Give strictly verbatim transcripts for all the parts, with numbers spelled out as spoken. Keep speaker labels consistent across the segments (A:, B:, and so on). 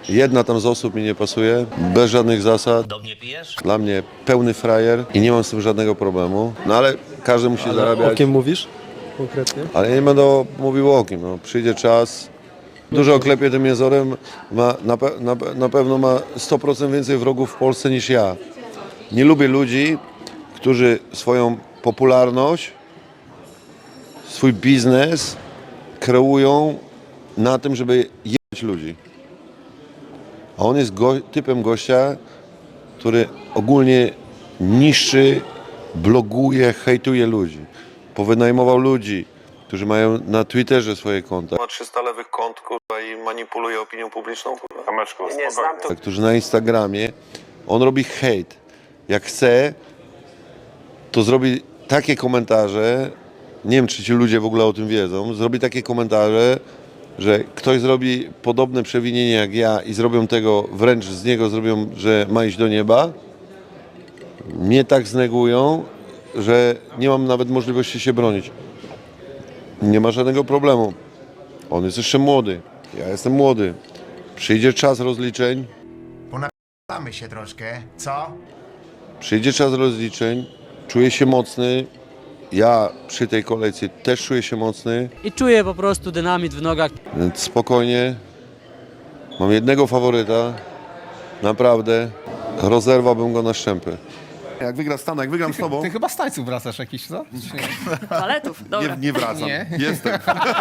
A: Jedna tam z osób mi nie pasuje, bez żadnych zasad.
B: Do mnie pijesz?
A: Dla mnie pełny frajer i nie mam z tym żadnego problemu. No ale każdy musi
C: Ale
A: zarabiać.
C: o kim mówisz konkretnie?
A: Ale ja nie będę mówił o kim. No. Przyjdzie czas. Dużo oklepie tym jezorem. Ma, na, pe, na, na pewno ma sto procent więcej wrogów w Polsce niż ja. Nie lubię ludzi, którzy swoją popularność, swój biznes kreują na tym, żeby jebać ludzi. A on jest go, typem gościa, który ogólnie niszczy, bloguje, hejtuje ludzi. Powynajmował ludzi, którzy mają na Twitterze swoje konta. Ma trzysta lewych kont, kurwa, i manipuluje opinią publiczną, kurwa.
D: Kameczku,
B: Nie znam to.
A: Którzy na Instagramie, on robi hejt. Jak chce, to zrobi takie komentarze, nie wiem, czy ci ludzie w ogóle o tym wiedzą, zrobi takie komentarze, że ktoś zrobi podobne przewinienie jak ja i zrobią tego, wręcz z niego zrobią, że ma iść do nieba, mnie tak znegują, że nie mam nawet możliwości się bronić. Nie ma żadnego problemu. On jest jeszcze młody, ja jestem młody. Przyjdzie czas rozliczeń,
E: Ponapamy się troszkę, co?
A: przyjdzie czas rozliczeń, czuję się mocny, ja przy tej kolejce też czuję się mocny,
F: I czuję po prostu dynamit w nogach.
A: więc spokojnie. Mam jednego faworyta, naprawdę, rozerwałbym go na szczępy.
G: Jak wygra Stan, jak wygram z tobą,
H: Ty chyba z tańców wracasz jakiś, co? Czy nie?
I: Paletów, dobra.
G: nie, nie wracam.
H: Nie.
G: Jestem.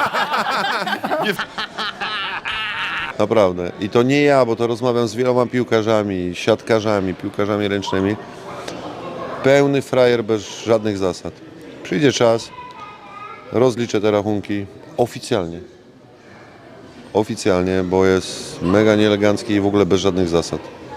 A: Naprawdę. I to nie ja, bo to rozmawiam z wieloma piłkarzami, siatkarzami, piłkarzami ręcznymi. Pełny frajer bez żadnych zasad. Przyjdzie czas, rozliczę te rachunki oficjalnie. Oficjalnie, bo jest mega nieelegancki i w ogóle bez żadnych zasad.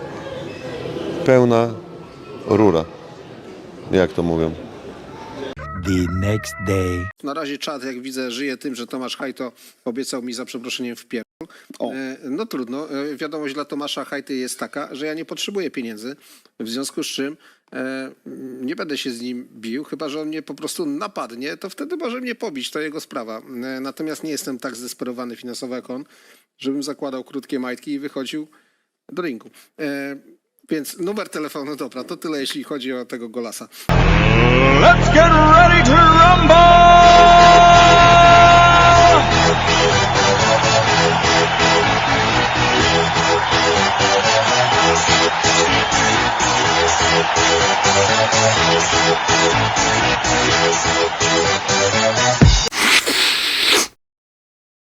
A: Pełna rura, jak to mówią.
B: The next day.
J: Na razie czat, jak widzę, żyje tym, że Tomasz Hajto obiecał mi za przeproszeniem w pierdol. E, no trudno. E, wiadomość dla Tomasza Hajty jest taka, że ja nie potrzebuję pieniędzy, w związku z czym e, nie będę się z nim bił, chyba że on mnie po prostu napadnie, to wtedy może mnie pobić, to jego sprawa. E, natomiast nie jestem tak zdesperowany finansowo jak on, żebym zakładał krótkie majtki i wychodził do ringu. E, więc numer telefonu, dobra, to tyle jeśli chodzi o tego Golasa.
D: Let's get ready to rumble!